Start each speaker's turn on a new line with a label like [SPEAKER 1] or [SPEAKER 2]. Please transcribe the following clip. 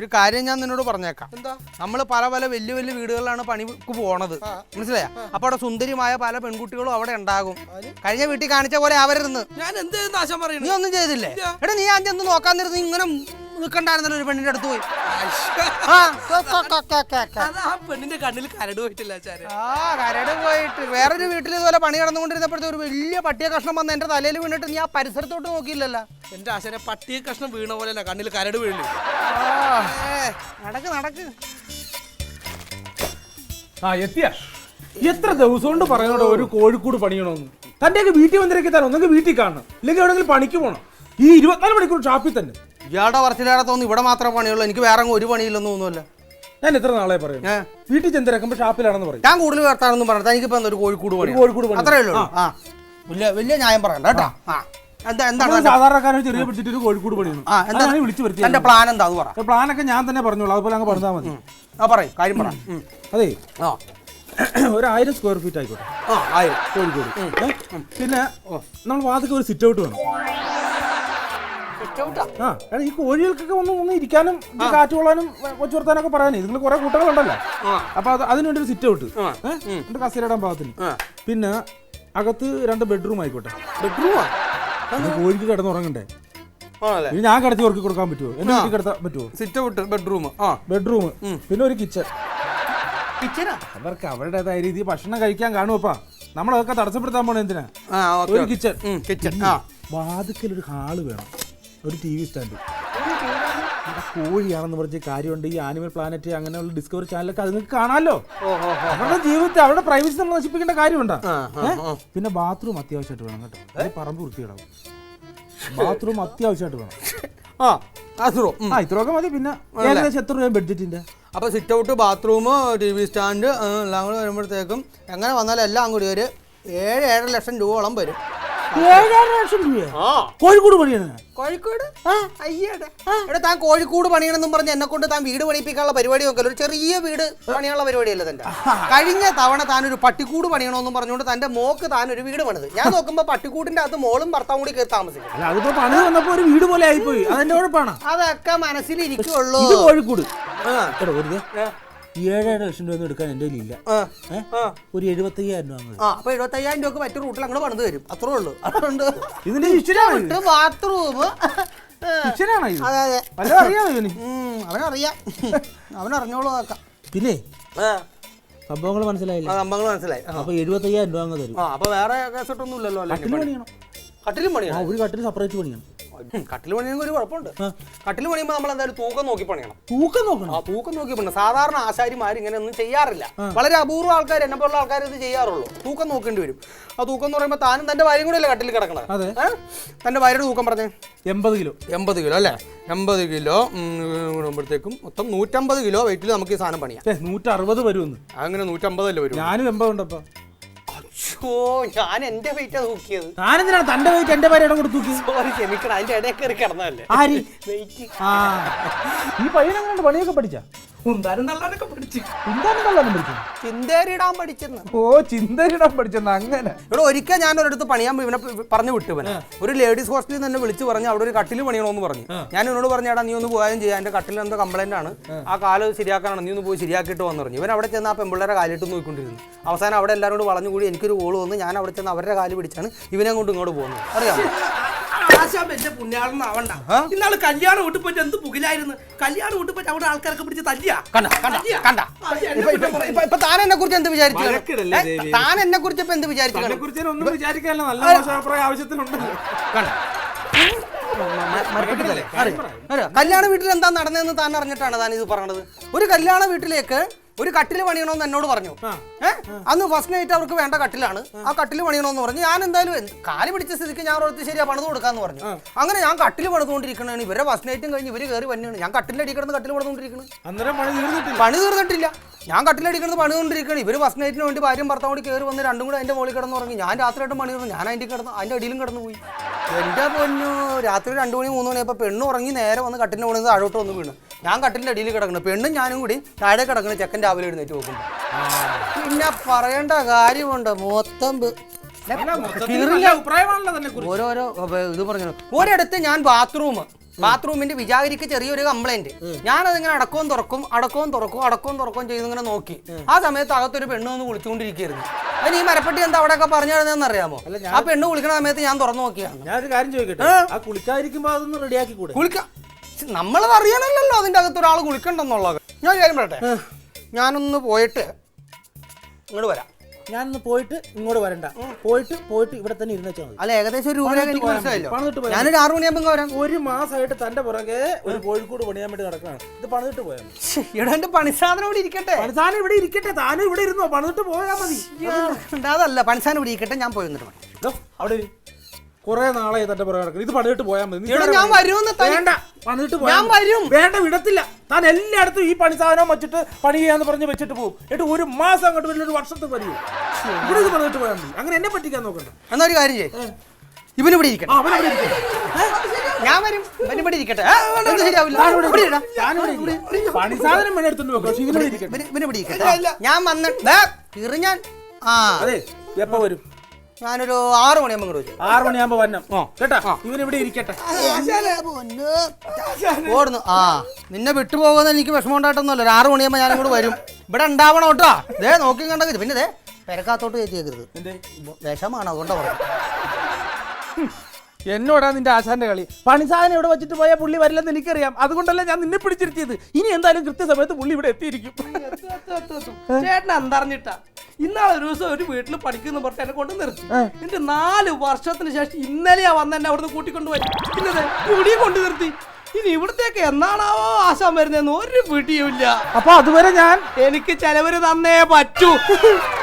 [SPEAKER 1] ഒരു കാര്യം ഞാൻ നിന്നോട് പറഞ്ഞേക്കാം. എന്താ? നമ്മൾ പല പല വലിയ വലിയ വീടുകളിലാണ് പണിക്ക് പോണത്, മനസ്സിലായ? അപ്പൊ അവിടെ സുന്ദരിമായ പല പെൺകുട്ടികളും അവിടെ ഉണ്ടാകും. കഴിഞ്ഞ വീട്ടിൽ കാണിച്ച പോലെ ആവരുന്ന്.
[SPEAKER 2] ഞാൻ എന്ത് നാശം പറയുന്നു?
[SPEAKER 1] നീ ഒന്നും ചെയ്തില്ലേ? എടാ നീ അഞ്ച് ഒന്ന് നോക്കാൻ നേരത്ത് ഇങ്ങനെ നിൽക്കണ്ടായിരുന്നല്ലോ ഒരു പെണ്ണിന്റെ അടുത്ത് പോയി.
[SPEAKER 2] പെണ്ണിന്റെ കണ്ണിൽ കരട് പോയിട്ടില്ല.
[SPEAKER 1] കരട് പോയിട്ട് വേറൊരു വീട്ടിൽ ഇതുപോലെ പണി നടന്നുകൊണ്ടിരുന്നപ്പോഴത്തെ ഒരു വലിയ പട്ടിയ കഷ്ണം വന്ന് എന്റെ തലയിൽ വീണിട്ട് നീ ആ പരിസരത്തോട്ട് നോക്കിയില്ലല്ലോ.
[SPEAKER 2] എന്റെ ആശാനെ പട്ടിയ കഷ്ണം വീണ പോലെ കണ്ണിൽ കരട് വീഴില്ല.
[SPEAKER 1] നടക്ക് നടക്ക്.
[SPEAKER 3] എത്തിയ എത്ര ദിവസം കൊണ്ട് പറയുന്നോ ഒരു കോഴിക്കോട് പണിയണമെന്ന്. തന്റെയൊക്കെ വീട്ടിൽ വന്നിരക്കി തരാം. ഒന്നെങ്കിൽ വീട്ടിൽ കാണണം, ഇല്ലെങ്കിൽ എവിടെയെങ്കിലും പണിക്ക് പോകണം. ഈ 24 മണിക്കൂർ ഷാപ്പിൽ തന്നെ.
[SPEAKER 1] ഇയാളുടെ വർഷത്തിലേറെ തോന്നുന്നു ഇവിടെ മാത്രമേ പണിയുള്ളൂ, എനിക്ക് വേറെ ഒരു പണിയില്ലെന്ന് തോന്നുന്നില്ല.
[SPEAKER 3] ഞാൻ എത്ര നാളെ പറയും വീട്ടിൽ ചെന്നിരക്കുമ്പോ ഷാപ്പിലാണെന്ന് പറയും.
[SPEAKER 1] ഞാൻ കൂടുതൽ വേർത്താണെന്നും പറഞ്ഞത് എനിക്കിപ്പോ ഒരു കോഴിക്കോട് പണി. അത്രേ ഉള്ളൂ. വലിയ ന്യായം പറയണ്ട കേട്ടോ.
[SPEAKER 3] എന്താണ് സാധാരണക്കാരെ ചെറിയ പിടിച്ചിട്ട് ഒരു കോഴിക്കോട് പണിയാണ് വിളിച്ചു വരുത്തി.
[SPEAKER 1] എന്റെ പ്ലാൻ എന്താന്ന് പറ.
[SPEAKER 3] പ്ലാനൊക്കെ ഞാൻ തന്നെ പറഞ്ഞോളൂ, അതുപോലെ അങ്ങ് പറഞ്ഞാൽ മതി.
[SPEAKER 1] പറയും കാര്യം പറ.
[SPEAKER 3] അതെ, ഒരു 1000 സ്ക്വയർ ഫീറ്റ് ആയിക്കോട്ടെ കോഴിക്കോട്. പിന്നെ നമ്മൾ വാതിക്ക് ഒരു സിറ്റ് ഔട്ട് വേണം. ഈ കോഴികൾക്കൊക്കെ ഒന്ന് ഇരിക്കാനും കാറ്റ് കൊള്ളാനും കൊച്ചു വർത്താനൊക്കെ പറയാനേ. നിങ്ങൾ കുറെ കൂട്ടങ്ങളുണ്ടല്ലോ, അപ്പൊ അതിനുവേണ്ടി ഒരു സിറ്റ് ഔട്ട് എന്റെ കസേരയിടാൻ പാകത്തിന്. പിന്നെ അകത്ത് 2 ബെഡ്റൂം ആയിക്കോട്ടെ.
[SPEAKER 1] ബെഡ്റൂമാ?
[SPEAKER 3] കോഴിക്ക് കിടന്നുറങ്ങണ്ടേ? ഞാൻ കിടത്തി ഉറക്കി കൊടുക്കാൻ പറ്റുമോ? എന്റെ വീട്ടിൽ കിടത്താൻ പറ്റുമോ?
[SPEAKER 1] Sit out bedroom.
[SPEAKER 3] പിന്നെ ഒരു കിച്ചൺ. അവർക്ക് അവരുടേതായ രീതിയിൽ ഭക്ഷണം കഴിക്കാൻ കാണുമപ്പാ. നമ്മളതൊക്കെ തടസ്സപ്പെടുത്താൻ പോണ എന്തിനാ? ഒരു കിച്ചൺ. വാതിക്കൽ ഒരു ഹാള് വേണം, ഒരു TV സ്റ്റാൻഡ്. കോഴിയാണെന്ന് പറഞ്ഞ കാര്യമുണ്ട്. ഈ ആനിമൽ പ്ലാനറ്റ് അങ്ങനെയുള്ള ഡിസ്കവറി ചാനലൊക്കെ അത് നിങ്ങൾക്ക് കാണാമല്ലോ. അവരുടെ ജീവിതത്തെ അവരുടെ പ്രൈവസി നമ്മൾ നശിപ്പിക്കേണ്ട കാര്യമുണ്ടോ? പിന്നെ ബാത്റൂം അത്യാവശ്യമായിട്ട് വേണം കേട്ടോ. പറമ്പ് വൃത്തിയിടാവും. ബാത്റൂം അത്യാവശ്യമായിട്ട് വേണം. ഇത്രയൊക്കെ മതി. പിന്നെ ഏകദേശം എത്ര രൂപ ബഡ്ജറ്റിന്റെ?
[SPEAKER 1] അപ്പൊ sit out, bathroom, TV stand എല്ലാം കൂടെ വരുമ്പോഴത്തേക്കും എങ്ങനെ വന്നാലും എല്ലാം കൂടി ഒരു 7-7.5 ലക്ഷം രൂപയോളം വരും.
[SPEAKER 3] 7.5 ലക്ഷം രൂപ കോഴിക്കോട് പണിയാണ്?
[SPEAKER 1] കോഴിക്കോട്? എടാ താൻ കോഴിക്കോട് പണിയണമെന്നും പറഞ്ഞ് എന്നെ കൊണ്ട് താൻ വീട് പണിയിപ്പിക്കാനുള്ള പരിപാടി നോക്കല്ലോ. ഒരു ചെറിയ വീട് പണിയാനുള്ള പരിപാടിയല്ലേ തന്റെ. കഴിഞ്ഞ തവണ താനൊരു പട്ടിക്കൂട് പണിയണമെന്നും പറഞ്ഞുകൊണ്ട് തന്റെ മോക്ക് താനൊരു വീട് പണിത്. ഞാൻ നോക്കുമ്പോ പട്ടിക്കൂടിന്റെ അകത്ത് മോളും ഭർത്താവും കൂടി കയറി താമസിക്കും.
[SPEAKER 3] അതിപ്പോ പണി വന്നപ്പോ ഒരു വീട് പോലെ ആയിപ്പോയി. അതെന്റെ കുഴപ്പമാണ്.
[SPEAKER 1] അതൊക്കെ മനസ്സിലിരിക്കുള്ളൂ.
[SPEAKER 3] കോഴിക്കോട് 7.5 ലക്ഷം രൂപ എടുക്കാൻ എന്റെ കയ്യിലില്ല. ഒരു 75,000 രൂപ.
[SPEAKER 1] അപ്പൊ 75,000 രൂപക്ക് മറ്റു റൂട്ടിൽ അങ്ങോട്ട് പണിത് തരും. അത്രേ ഉള്ളൂ. അതുകൊണ്ട്
[SPEAKER 3] ഇതിന്റെ
[SPEAKER 1] ബാത്റൂം അവനറിയാം, അവനറിഞ്ഞോളൂ. ആക്കാം.
[SPEAKER 3] പിന്നെ സംഭവങ്ങൾ മനസ്സിലായില്ല.
[SPEAKER 1] സംഭവങ്ങൾ മനസ്സിലായി.
[SPEAKER 3] അപ്പൊ 75,000 രൂപ അങ്ങ് തരും.
[SPEAKER 1] അപ്പൊ വേറെ കേസൊട്ടൊന്നും ഇല്ലല്ലോ. കട്ടിലും പണിയണം.
[SPEAKER 3] ഒരു കട്ടിൽ സെപ്പറേറ്റ് പണിയണം.
[SPEAKER 1] കട്ടിൽ പണിയെങ്കിൽ ഒരു കുഴപ്പമുണ്ട്. കട്ടിൽ പണിയുമ്പോൾ നമ്മൾ എന്തായാലും തൂക്കം നോക്കി പണിയണം.
[SPEAKER 3] തൂക്കം നോക്കണം?
[SPEAKER 1] തൂക്കം നോക്കി പണിയണം. സാധാരണ ആശാരിമാർ ഇങ്ങനെ ഒന്നും ചെയ്യാറില്ല. വളരെ അപൂർവ ആൾക്കാർ, എന്നെ പോലുള്ള ആൾക്കാർ ഇത് ചെയ്യാറുള്ളൂ. തൂക്കം നോക്കേണ്ടി വരും. ആ തൂക്കം എന്ന് പറയുമ്പോൾ താനും തന്റെ ഭാര്യയും കൂടെ അല്ലേ കട്ടിൽ കിടക്കണത്? തന്റെ ഭാര്യയുടെ തൂക്കം പറഞ്ഞേ?
[SPEAKER 3] 80 കിലോ.
[SPEAKER 1] 80 കിലോ അല്ലേ? 80 കിലോ കൂടുമ്പോഴത്തേക്കും മൊത്തം 150 കിലോ വെയിറ്റിൽ നമുക്ക് ഈ സാധനം പണിയാം.
[SPEAKER 3] 160 വരുമെന്ന്.
[SPEAKER 1] അങ്ങനെ 150 അല്ലേ വരും?
[SPEAKER 3] ഞാനും 80 ഉണ്ടപ്പോ.
[SPEAKER 1] ഞാൻ എന്റെ വെയിറ്റാ തൂക്കിയത്.
[SPEAKER 3] ഞാനെന്തിനാണ് തന്റെ വെയിറ്റ് എന്റെ ഭാര്യയുടെ കൂടെ തൂക്കി?
[SPEAKER 1] സോറി, ക്ഷമിക്കണം. അതിന്റെ ഇടയിൽ കയറി കിടന്നതല്ലേ.
[SPEAKER 3] ഈ പയ്യനെങ്ങനെ പണിയൊക്കെ പഠിച്ച?
[SPEAKER 1] ചിന്തേരിടാൻ പഠിച്ചെന്ന്.
[SPEAKER 3] ഓ, ചിന്തേരിടാൻ പഠിച്ചെന്ന്. അങ്ങനെ
[SPEAKER 1] ഇവിടെ ഒരിക്കൽ ഞാൻ ഒരിടത്ത് പണിയാൻ ഇവനെ പറഞ്ഞു വിട്ടു. ഇവനെ ഒരു ലേഡീസ് ഹോസ്റ്റലിൽ നിന്ന് വിളിച്ച് പറഞ്ഞു അവിടെ ഒരു കട്ടിൽ പണിയണമെന്ന് പറഞ്ഞു. ഞാൻ ഇവനോട് പറഞ്ഞാടാ നീ ഒന്ന് പോയാലും ചെയ്യാം, എന്റെ കട്ടിൽ എന്തോ കംപ്ലൈന്റ് ആണ്, ആ കാല് ശരിയാക്കാനാണ്, നീ ഒന്ന് പോയി ശരിയാക്കിയിട്ട് വന്നു പറഞ്ഞു. ഇവൻ അവിടെ ചെന്ന് ആ പെമ്പിള്ളേരെ കാലിട്ട് നോക്കിക്കൊണ്ടിരുന്നു. അവസാനം അവിടെ എല്ലാവരും കൂടി വളഞ്ഞുകൂടി എനിക്കൊരു കോള് വന്ന് ഞാൻ അവിടെ ചെന്ന് അവരുടെ കാല് പിടിച്ചാണ് ഇവനെ കൊണ്ട് ഇങ്ങോട്ട് പോകുന്നത്. അറിയാമോ?
[SPEAKER 2] എന്റെ പുണ്യാളനാവണ്ട. ഇന്നാള് കല്യാണം വീട്ടിൽ പോയിട്ട് എന്ത് പുകിലായിരുന്നു. കല്യാണം വീട്ടിൽ പോയിട്ട് അവിടെ ആൾക്കാരൊക്കെ പിടിച്ച് തല്ലിയാ.
[SPEAKER 1] ഇപ്പൊ താൻ എന്നെ കുറിച്ച് എന്ത് വിചാരിച്ചു? താൻ എന്നെ കുറിച്ച് ഇപ്പൊ എന്ത് വിചാരിച്ചു? കല്യാണ വീട്ടിൽ എന്താ നടന്നതെന്ന് താൻ അറിഞ്ഞിട്ടാണ് താൻ ഇത് പറഞ്ഞത്. ഒരു കല്യാണ വീട്ടിലേക്ക് ഒരു കട്ടിൽ പണിയണമെന്ന് എന്നോട് പറഞ്ഞു. അന്ന് ഫസ്റ്റ് നൈറ്റ് അവർക്ക് വേണ്ട കട്ടിലാണ്. ആ കട്ടിൽ പണിയണമെന്ന് പറഞ്ഞു. ഞാൻ എന്തായാലും കാല് പിടിച്ച സ്ഥിതിക്ക് ഞാൻ ഓർത്ത് ശരിയാ പണിത് കൊടുക്കാന്ന് പറഞ്ഞു. അങ്ങനെ ഞാൻ കട്ടിൽ പണിതുകൊണ്ടിരിക്കണേ. ഇവരെ ഫസ്റ്റ് നൈറ്റും കഴിഞ്ഞ് ഇവര് കയറി വന്നെയാണ്. ഞാൻ കട്ടിലിന്റെ അടി കിടന്ന് കട്ടിൽ പണിതുകൊണ്ടിരിക്കണം. പണി തീർന്നിട്ടില്ല. ഞാൻ കട്ടിലടിക്കുന്നത് പണിതുകൊണ്ടിരിക്കണം. ഇവര് ഫസ്റ്റ് നൈറ്റിന് വേണ്ടി ഭാര്യയും ഭർത്താവും കൂടി കയറി വന്ന് രണ്ടും കൂടെ അതിന്റെ മുകളിൽ കിടന്ന് ഉറങ്ങി. ഞാൻ രാത്രിയായിട്ടും പണി തീർന്നു. ഞാൻ അതിന്റെ അടിയിലും കിടന്നു പോയി. എന്റെ പൊന്നു, രാത്രി 2 മണി 3 മണിയപ്പോൾ പെണ്ണ് ഉറങ്ങി നേരെ വന്ന് കട്ടിലിന്റെ മുകളിൽ താഴോട്ട് വന്ന് വീണ്. ഞാൻ കട്ടിലിന്റെ അടിയിൽ കിടക്കണം. പെണ്ണും ഞാനും കൂടി താഴെ കിടക്കണം. ചെക്കൻ രാവിലെ എഴുന്നേറ്റ് നോക്കുമ്പോൾ പിന്നെ പറയേണ്ട കാര്യമുണ്ട്. മൊത്തം ഓരോരോ ഇത് പറഞ്ഞു. ഒരിടത്ത് ഞാൻ ബാത്റൂം ബാത്റൂമിന്റെ വിചാരിക്ക് ചെറിയൊരു കംപ്ലൈന്റ്. ഞാനതിങ്ങനെ അടക്കവും തുറക്കും ചെയ്ത് ഇങ്ങനെ നോക്കി. ആ സമയത്ത് അകത്തൊരു പെണ്ണ് വന്ന് കുളിച്ചുകൊണ്ടിരിക്കുകയായിരുന്നു. അതിന് ഈ മരപ്പെട്ടി എന്താ അവിടെയൊക്കെ പറഞ്ഞു തരുന്നതെന്ന് അറിയാമോ? ആ പെണ്ണ് കുളിക്കുന്ന സമയത്ത് ഞാൻ തുറന്നു നോക്കിയാണ്.
[SPEAKER 3] ഞാനൊരു കാര്യം ചോദിക്കട്ടെ, ആ കുളിക്കാതിരിക്കുമ്പോ അതൊന്ന് റെഡിയാക്കി കൂടെ?
[SPEAKER 1] കുളിക്കാം, നമ്മളത് അറിയാനല്ലോ അതിന്റെ അകത്ത് ഒരാൾ കുളിക്കണ്ടെന്നുള്ളത്. ഞാൻ കാര്യം പറയട്ടെ, ഞാനൊന്ന് പോയിട്ട് ഇങ്ങോട്ട് വരാം.
[SPEAKER 3] ഞാനൊന്ന് പോയിട്ട് ഇങ്ങോട്ട് വരണ്ട, പോയിട്ട് ഇവിടെ തന്നെ ഇരുന്ന് വെച്ചാൽ മതി.
[SPEAKER 1] അല്ല, ഏകദേശം ഒരു രൂപ എനിക്ക് മനസ്സിലായല്ലോ. ഞാനൊരു 6 മണിയാകുമ്പോൾ വരാം.
[SPEAKER 3] ഒരു മാസമായിട്ട് തന്റെ പുറകെ ഒരു കോഴിക്കോട് പണിയാൻ വേണ്ടി നടക്കണം. ഇത് പണിതിട്ട് പോയാൽ മതി.
[SPEAKER 1] ഇവിടെ എന്റെ പണിസാധനം ഇവിടെ ഇരിക്കട്ടെ.
[SPEAKER 3] പണിസാധനം ഇവിടെ ഇരിക്കട്ടെ, താനും ഇവിടെ ഇരുന്നോ, പണിതിട്ട് പോയാൽ മതി.
[SPEAKER 1] അതല്ല, പണിസാധനം ഇവിടെ ഇരിക്കട്ടെ, ഞാൻ പോയി വന്നിട്ട് മതി.
[SPEAKER 3] അവിടെ കുറെ നാളായി തന്റെ പുറകെ നടക്കണം. ഇത് പണിതിട്ട് പോയാൽ മതി.
[SPEAKER 1] ഞാൻ വരുമെന്ന്.
[SPEAKER 3] വേണ്ട, പണിതിട്ട്
[SPEAKER 1] ഞാൻ വരും.
[SPEAKER 3] വേണ്ട, വിടത്തില്ല. താൻ എല്ലായിടത്തും ഈ പണി സാധനം വെച്ചിട്ട് പണി ചെയ്യാന്ന് പറഞ്ഞ് വെച്ചിട്ട് പോകും. എന്നിട്ട് ഒരു മാസം അങ്ങോട്ട് വരുന്ന ഒരു വർഷത്തെ വരും. ഇവിടെ ഇത് പണിതിട്ട് പോയാൽ മതി. അങ്ങനെ എന്നെ പറ്റിക്കാൻ നോക്കണ്ട.
[SPEAKER 1] എന്നാ ഒരു കാര്യം ചെയ്യ്, ഇവനിവിടെ ഇരിക്കട്ടെ. ഞാൻ വരും, ഇവനിവിടെ ഇരിക്കട്ടെ.
[SPEAKER 3] പണി സാധനം വേണം എടുത്തോണ്ട് പോകാം.
[SPEAKER 1] ഇവനിവിടെ ഇരിക്കട്ടെ. ഞാൻ വന്നിട്ട് ഞാൻ
[SPEAKER 3] അതെ, എപ്പോ വരും?
[SPEAKER 1] ഞാനൊരു 6 മണിയാകുമ്പോൾ ഇങ്ങോട്ട് വരും.
[SPEAKER 3] 6 മണിയാകുമ്പോ വരണം കേട്ടാ. ഇവനിവിടെ ഇരിക്കട്ടെ.
[SPEAKER 1] ഓടുന്നു. നിന്നെ വിട്ടുപോകുന്ന എനിക്ക് വിഷമം ഉണ്ടായിട്ടൊന്നുമല്ല. ഒരു 6 മണിയാകുമ്പോൾ ഞാൻ ഇങ്ങോട്ട് വരും. ഇവിടെ ഉണ്ടാവണം കേട്ടോ. ഇതേ നോക്കി കണ്ടത്. പിന്നെ ഇതേ പെരക്കാത്തോട്ട് കയറ്റിയേക്കരുത്, വിഷമാണ്. അതുകൊണ്ടാ പറഞ്ഞു.
[SPEAKER 3] എന്നോടാ നിന്റെ ആശാന്റെ കളി. പണിസാധനം ഇവിടെ വെച്ചിട്ട് പോയാൽ പുള്ളി വരില്ലെന്ന് എനിക്കറിയാം. അതുകൊണ്ടല്ല ഞാൻ നിന്നെ പിടിച്ചിരുത്തിയത്. ഇനി എന്തായാലും കൃത്യസമയത്ത് പുള്ളി ഇവിടെ എത്തിയിരിക്കും.
[SPEAKER 2] ചേട്ടൻ എന്തറിഞ്ഞിട്ടാ ഇന്നാളെ ഒരു ദിവസം ഒരു വീട്ടിൽ പഠിക്കുന്ന പറഞ്ഞ് എന്നെ കൊണ്ട് നിർത്തി. എന്റെ 4 വർഷത്തിന് ശേഷം ഇന്നലെയാ വന്ന് എന്നെ അവിടുന്ന് കൂട്ടിക്കൊണ്ടുപോയി. ഇന്നത് ഇവിടെ കൊണ്ട് നിർത്തി. ഇനി ഇവിടത്തേക്ക് എന്നാണാവോ ആശാൻ വരുന്നതെന്ന് ഒരു പിടിയുമില്ല.
[SPEAKER 3] അപ്പൊ അതുവരെ ഞാൻ
[SPEAKER 2] എനിക്ക് ചെലവര് തന്നേ പറ്റൂ.